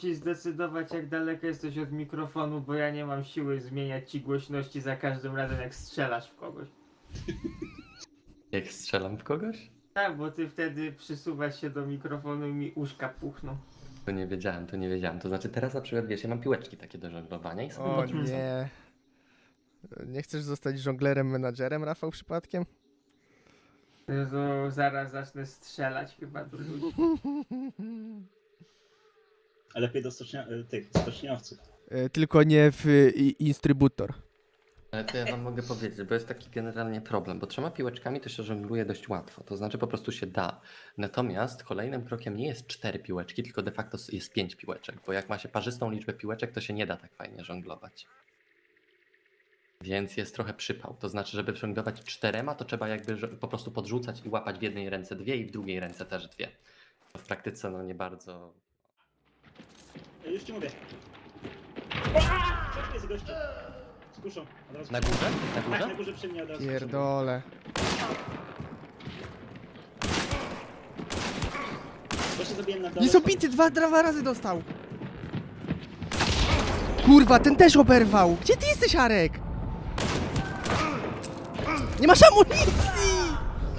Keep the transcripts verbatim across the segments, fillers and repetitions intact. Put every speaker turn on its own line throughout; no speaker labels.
Musisz zdecydować, jak daleko jesteś od mikrofonu, bo ja nie mam siły zmieniać ci głośności za każdym razem, jak strzelasz w kogoś.
Jak strzelam w kogoś?
Tak, bo ty wtedy przysuwasz się do mikrofonu i mi uszka puchną.
To nie wiedziałem, to nie wiedziałem. To znaczy teraz na przykład, wiesz, ja mam piłeczki takie do żonglowania i sobie
O
podrzucam.
nie. Nie chcesz zostać żonglerem, menadżerem, Rafał, przypadkiem?
To zaraz zacznę strzelać chyba do ludzi.
A lepiej do stoczni... tych stoczniowców.
E, Tylko nie w y, i- instrybutor.
Ale to ja wam mogę powiedzieć, bo jest taki generalnie problem, bo trzema piłeczkami to się żongluje dość łatwo, to znaczy po prostu się da. Natomiast kolejnym krokiem nie jest cztery piłeczki, tylko de facto jest pięć piłeczek, bo jak ma się parzystą liczbę piłeczek, to się nie da tak fajnie żonglować. Więc jest trochę przypał, to znaczy, żeby żonglować czterema, to trzeba jakby żo- po prostu podrzucać i łapać w jednej ręce dwie i w drugiej ręce też dwie. To w praktyce no nie bardzo...
Ja już ci mówię. Co tu jest gościu? Skuszą. Od razu.
Na górze? Na
Tak, na
górze?
górze przy mnie od razu.
Pierdole.
Gościa zabiłem na dole.
Nie zabity, dwa, dwa razy dostał. Kurwa, ten też oberwał. Gdzie ty jesteś, Arek? Nie masz amunicji!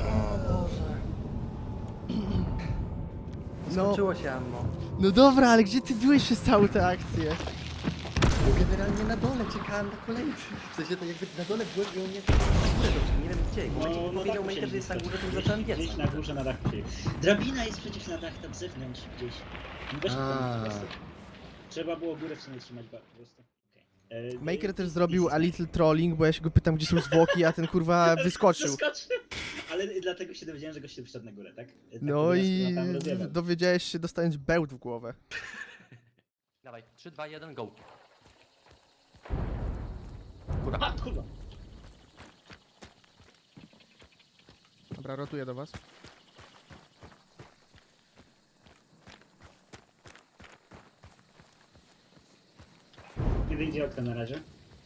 No,
Skończyło się ammo.
no dobra, ale gdzie ty byłeś przez całą tę akcję?
Bo generalnie na dole czekałem na kolejny. W sensie to jakby na dole byłem i on mnie na górę doszedł, nie wiem gdzie. W momencie, kiedy
No,
powiedział
tak
Maker, że jest na górze, to już zacząłem biec.
Gdzieś na górze na dachu siedzi. Drabina jest przecież na dach tam zewnątrz gdzieś. No weź
A.
tam po prostu. Trzeba było górę w sumie trzymać ba- po prostu. Okay. E,
Maker
i-
też
i-
zrobił
i-
a little trolling, bo ja się go pytam, gdzie są zwłoki, a ten kurwa wyskoczył.
Zaskoczył. Ale dlatego się dowiedziałem, że gościu wszedł na górę, tak? E, tak
No
to
i
nas tam rozjebał.
dowiedziałeś się dostając bełt w głowę.
Dawaj, trzy, dwa, jeden, go.
A,
Kurwa.
kurwa.
Dobra, rotuję do was.
Nie wyjdzie okna na razie.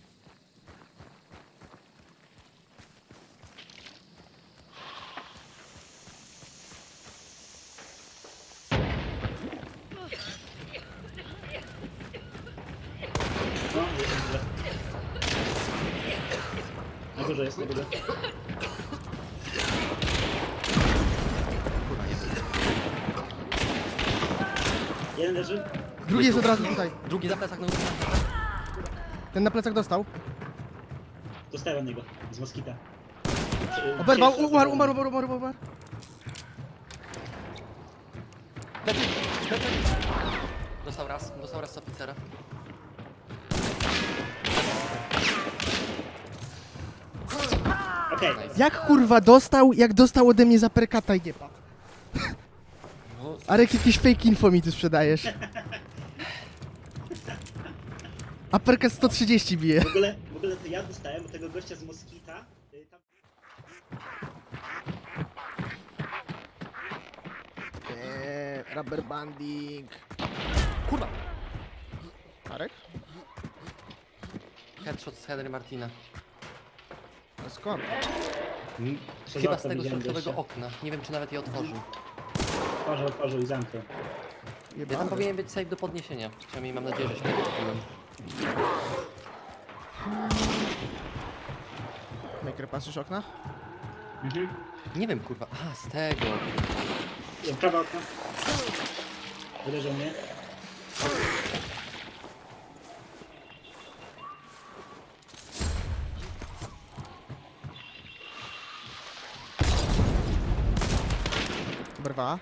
No, jest na górze. Na górze jest, na górze.
Kurwa, nie.
Jeden leży.
Drugi jest od razu tutaj.
Drugi za plecak, no
Ten na plecach dostał.
Dostałem od niego. Z moskita. Czy-
Oberwał,
czy-
umarł, umarł, umarł, umarł, umarł.
Plecy, plecy. Dostał raz, dostał raz z oficera.
Okej.
Nice.
Jak kurwa dostał, jak dostał ode mnie za perkata i nie padł.
No,
Arek, jakieś fake info mi tu sprzedajesz. A perkat sto trzydzieści bije.
W ogóle, w ogóle to ja dostałem od tego gościa z moskita. y, Tam...
Eee, rubber banding.
kurwa.
Arek?
Headshot z Henry Martina.
A skąd?
Mm,
Przez
Chyba
okno
z tego
widziałem
środkowego
gościa.
okna. Nie wiem, czy nawet je otworzył.
Otworzył, otworzył i zamknął.
Ja tam powinien być safe do podniesienia. Przynajmniej mam nadzieję, że się tego kupiłem.
Maker, patrzysz okna?
Mhm.
Nie wiem, kurwa. A, z tego.
Prawa okno. Uderzył mnie.
Brwa.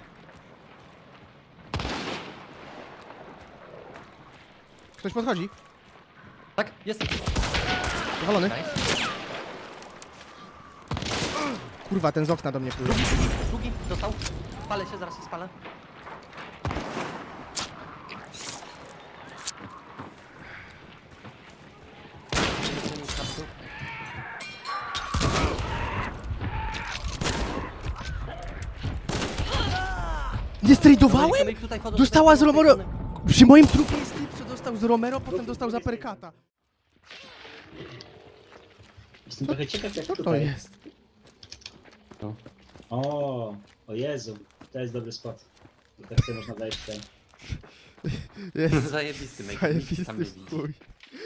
Ktoś podchodzi.
Tak, jest.
Powalony.
Nice.
Kurwa, ten z okna do mnie płynie.
Drugi, drugi, drugi. Dostał. Palę się, zaraz się spalę.
Nie stradowałem?
Tomek, tutaj wchodzą,
Dostała z
tutaj wchodzą,
Romero. Przy moim trupie jest typ, co dostał z Romero, potem dostał za perkata.
Jestem trochę ciekaw jak
Co to
tutaj.
jest?
No.
O, o Jezu. To jest dobry spot. I tak sobie można wejść tutaj.
Jest
Zajebisty Maker, nikt tam
zajebisty
nie widzi.
chuj.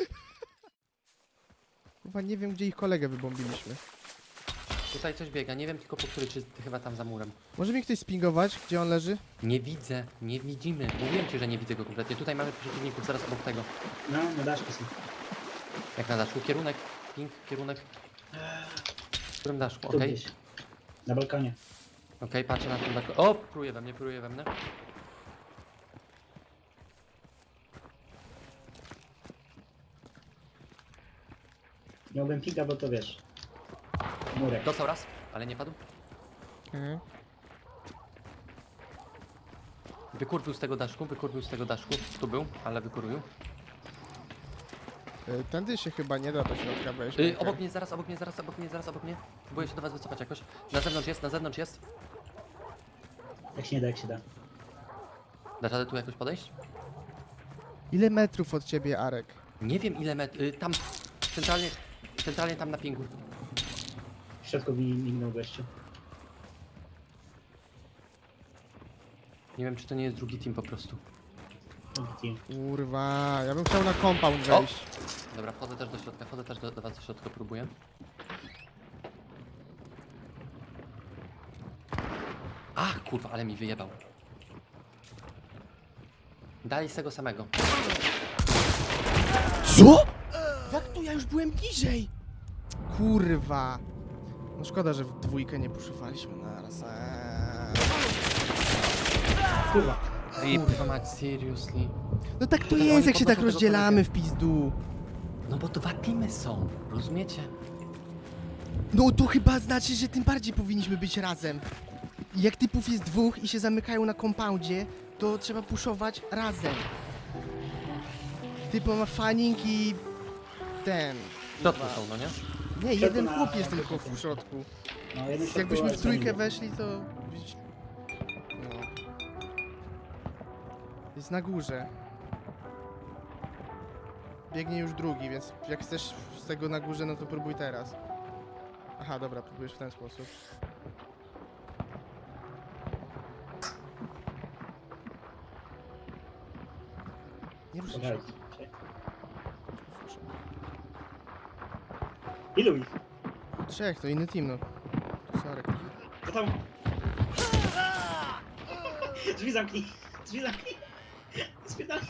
Chyba nie wiem, gdzie ich kolegę wybombiliśmy.
Tutaj coś biega, nie wiem tylko po której, czy chyba tam za murem.
Może mi ktoś spingować, gdzie on leży?
Nie widzę, nie widzimy. Mówiłem ci, że nie widzę go kompletnie. Tutaj mamy przeciwników, zaraz obok tego.
No, na daszku są.
Jak na daszku, kierunek, ping, kierunek. W którym daszku,
Tu
okej.
gdzieś. Na balkonie.
Okej, patrzę na tym daszku. O, pruje we mnie, pruje we mnie.
Miałbym pika, bo to wiesz. Murek.
Dostał raz, ale nie padł.
Mhm.
Wykurwił z tego daszku, wykurwił z tego daszku. Tu był, ale wykurwił.
Y, Tędy się chyba nie da do środka wejść.
Yy,
Maker.
obok mnie, zaraz, obok mnie, zaraz, obok mnie, zaraz, obok mnie. Próbuję się do was wycofać jakoś. Na zewnątrz jest, na zewnątrz jest.
Jak się nie da, jak się da.
Da radę tu jakoś podejść?
Ile metrów od ciebie, Arek?
Nie wiem ile met... Yy, tam, centralnie, centralnie tam na pingu.
W środku mi mignął gościu.
Nie wiem czy to nie jest drugi team po prostu.
Drugi team.
Kurwa, ja bym chciał na compound wejść.
Dobra, wchodzę też do środka, wchodzę też do, do was do środka, próbuję. Ach, kurwa, ale mi wyjebał. Dali z tego samego.
Co? Jak to? Ja już byłem bliżej. Kurwa. No szkoda, że w dwójkę nie puszowaliśmy naraz. Eee.
Kurwa.
Kurwa mać, seriously.
No tak to
To
jest,
oni
jak się tak
podnoszą tego
rozdzielamy
kolegę.
w pizdu.
No bo dwa teamy są, rozumiecie?
No to chyba znaczy, że tym bardziej powinniśmy być razem. Jak typów jest dwóch i się zamykają na kompoundzie, to trzeba puszować razem. Typo ma fanning i ten.
W środku są, no nie?
Nie, jeden
na-
chłop jest tylko w środku.
No, jeden środku,
Jakbyśmy
ale
w trójkę
fajnie.
weszli, to... No. Jest na górze. Biegnie już drugi, więc jak chcesz z tego na górze, no to próbuj teraz. Aha, dobra, próbujesz w ten sposób. Nie ruszaj się.
Czekaj. Ilu ich?
Trzech, to inny team, no. Sorry.
Co tam? Drzwi zamknij! Drzwi zamknij! Spierdalaj!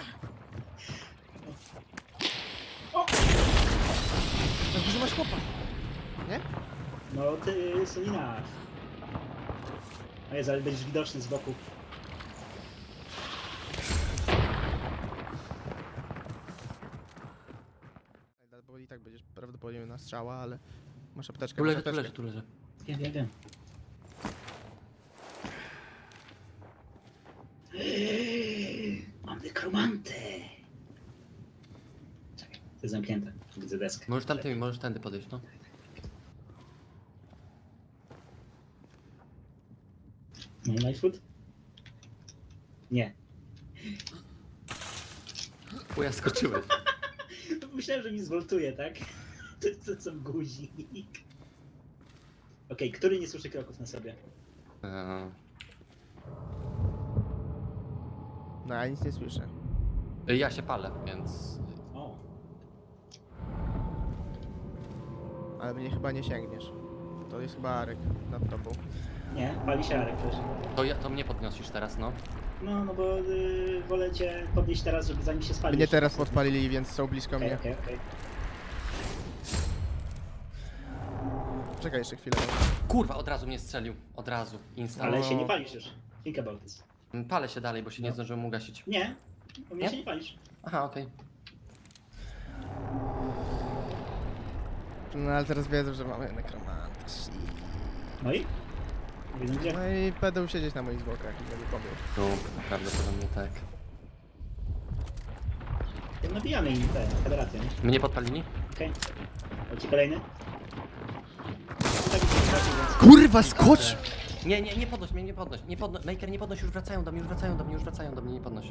Na górze masz chłopa. Nie?
No ty, Solina. A jest, ale będziesz widoczny z boku.
Bo i tak będziesz prawdopodobnie na strzała, ale masz apteczkę.
Tu
masz
leży, tu
apteczkę.
leży, tu leży.
Wiem, wiem, wiem. Mam nekromantę! Czekaj, to jest zamknięte. Widzę deskę.
Możesz tamtymi, możesz tędy podejść, no.
No i life food? Nie.
Chuja skoczyłeś.
Myślałem, że mi zwoltuje, tak? To jest to są guzik. Okej, który nie słyszy kroków na sobie?
Eee,
No, ja nic nie słyszę.
ja się palę, więc...
O,
Ale mnie chyba nie sięgniesz. To jest chyba Arek nad tobą.
nie, pali się Arek też.
To, ja, to mnie podniosisz teraz, no.
No, no bo y, wolę cię podnieść teraz, żeby zanim się spalisz.
Mnie teraz podpalili, więc są blisko
Okej,
mnie.
okej, okej.
Czekaj jeszcze chwilę.
Kurwa, od razu mnie strzelił. Od razu. Insta.
Ale
O.
się nie palisz już. Think about this.
Palę się dalej, bo się nie
No.
zdążyłem ugasić.
Nie, u mnie
Nie?
się nie palisz.
Aha, okej.
No ale teraz wiedzą, że mamy nekromanta. shit.
No i? Wiedzą gdzie?
No i będą siedzieć na moich zwłokach i będę pobił.
No, prawdopodobnie tak.
Ja nabijamy im tę federację, nie?
Mnie podpalili?
Okej. Okay. Ci kolejny? Tak, więc...
Kurwa, skocz!
Nie, nie, nie podnoś mnie, nie podnoś. Nie podno... Maker, nie podnoś, już wracają do mnie, już wracają do mnie, już wracają do mnie, nie podnoś.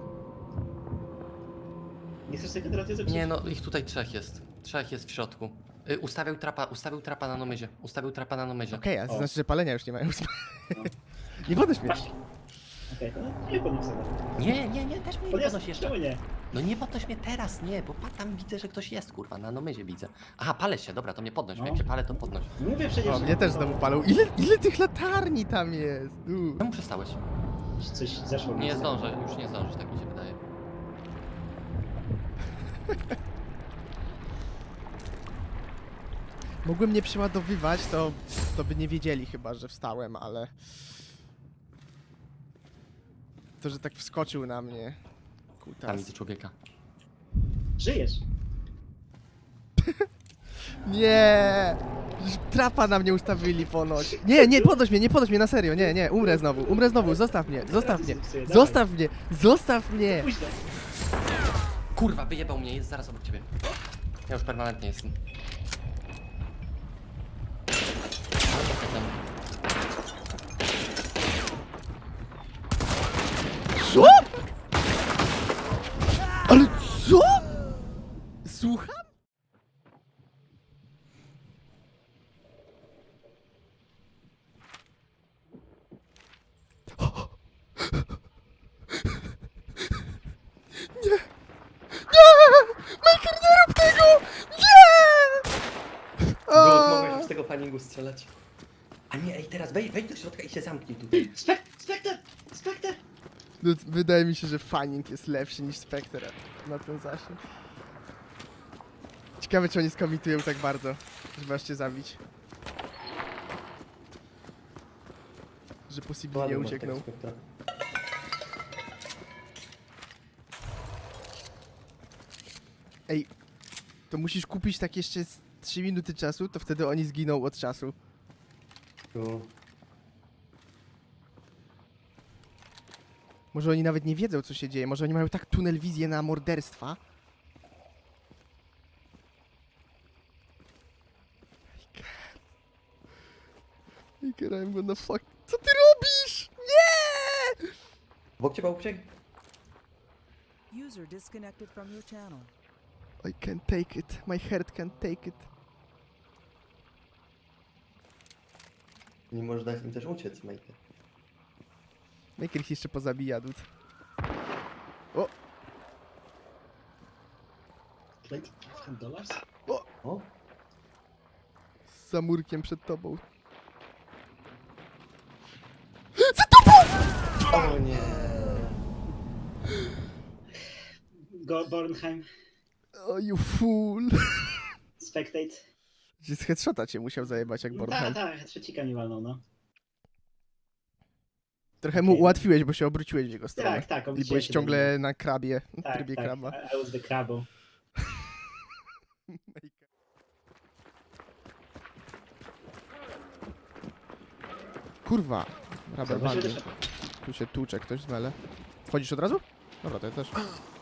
Nie chcesz tej federacji zepsuć?
Nie no, ich tutaj trzech jest. Trzech jest w środku. Y, ustawił trapa, ustawił trapa na nomyzie. Ustawił trapa na nomyzie.
Okej, ale to
O.
znaczy, że palenia już nie mają.
No.
Nie podnoś mnie.
Właśnie. Okej, to nie podnieś sobie.
Nie, nie, nie, też mnie nie
Podniosę,
podnoś jeszcze.
czemu nie?
No nie podnoś mnie teraz, nie, bo pa, tam widzę, że ktoś jest, kurwa, na nomyzie widzę. Aha, palę się, dobra, to mnie podnoś,
No.
jak się palę, to podnoś.
Mówię przecież,
O,
że-
mnie też znowu palą. Ile, ile tych latarni tam jest? U.
Czemu przestałeś?
Coś zeszło. mi.
Nie zdążę, już nie zdążysz, tak mi się wydaje.
Mogłem nie przeładowywać, to, to by nie wiedzieli chyba, że wstałem, ale... To, że tak wskoczył na mnie...
Tam
Kutas.
widzę człowieka.
Żyjesz.
Nie! Już trapa na mnie ustawili ponoć. Nie, nie, podnoś mnie, nie podnoś mnie, na serio, nie, nie, umrę znowu, umrę znowu, zostaw mnie, zostaw mnie,
Dawaj.
zostaw mnie, zostaw mnie!
Późno.
Kurwa, wyjebał mnie, jest zaraz obok ciebie. Ja już permanentnie jestem.
Co? Ale co? Słucham? Nie! Nie! Maker, nie rób tego! Nie!
Było,
O!
mogłeś z tego faningu strzelać. A nie, ej, teraz wejdź, wejdź do środka i się zamknij tutaj.
Spek Spekter! Spekter!
No, wydaje mi się, że Fanning jest lepszy niż Spectre na ten zasięg. Ciekawe, czy oni skomitują tak bardzo, żeby aż cię zabić. Że possibly nie uciekną. Ej, to musisz kupić tak jeszcze z trzy minuty czasu, to wtedy oni zginą od czasu. Może oni nawet nie wiedzą, co się dzieje. Może oni mają tak tunel wizję na morderstwa. Iker, I'm gonna fuck... Co ty robisz? Nie!
Obok ciebie uciekł?
User disconnected from your channel.
I can't take it. My heart can't take it.
Nie możesz dać im też uciec, Maker.
Maker ich jeszcze pozabija, dud. O!
dwadzieścia dolarów?
O?
Z zamurkiem przed tobą.
O nie.
Go Bornheim.
O, you fool.
Spectate.
Z headshota cię musiał zajebać jak
Tak,
Bornheim.
tak, trzecika mi walnął, no.
Trochę mu ułatwiłeś, bo się obróciłeś w jego stronę.
Tak, tak.
I
obróciłem
byłeś
się do
ciągle
niego.
na krabie, w
Tak,
trybie
tak.
kraba.
I was the crabo.
Kurwa, rubber
Zobaczymy,
bandy.
że-
Tu się tłucze ktoś z mele. Wchodzisz od razu? Dobra, to ja też.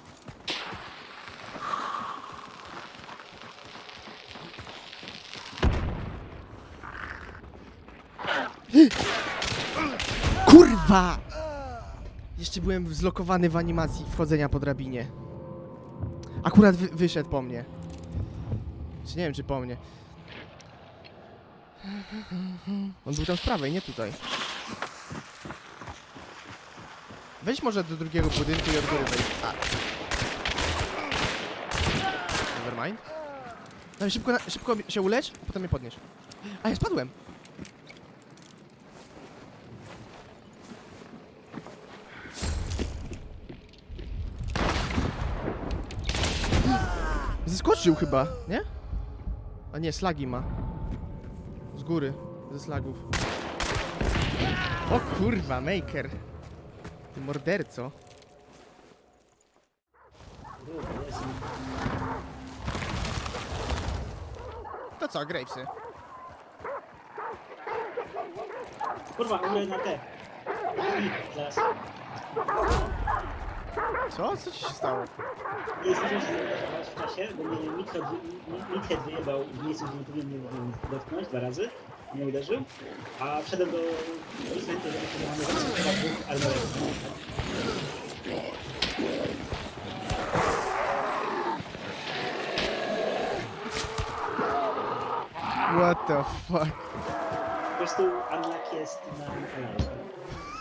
Kurwa! Jeszcze byłem zlokowany w animacji wchodzenia po drabinie. Akurat wy wyszedł po mnie. Czy nie wiem, czy po mnie. On był tam z prawej, nie tutaj. Wejdź może do drugiego budynku i od góry wejdź. A. Nevermind. Dawaj, szybko, na, szybko się ulecz, a potem mnie podnieś. A, ja spadłem. Zeskoczył chyba, nie? A nie, slagi ma. Z góry, ze slagów. O kurwa, Maker. Ty morderco. To co, Gravesy?
Kurwa, umrę na te. I zaraz.
Co? Co ci się stało?
Nie zdążyłem się zorientować w czasie, bo mnie Midhead wy- Midhead wyjebał w miejscu, gdzie nie powinien mnie dotknąć dwa razy. Nie uderzył. A wszedłem do basementu, żeby się zamanować chyba dwóch armorów.
What the fuck?
Po prostu unluck jest na Alive.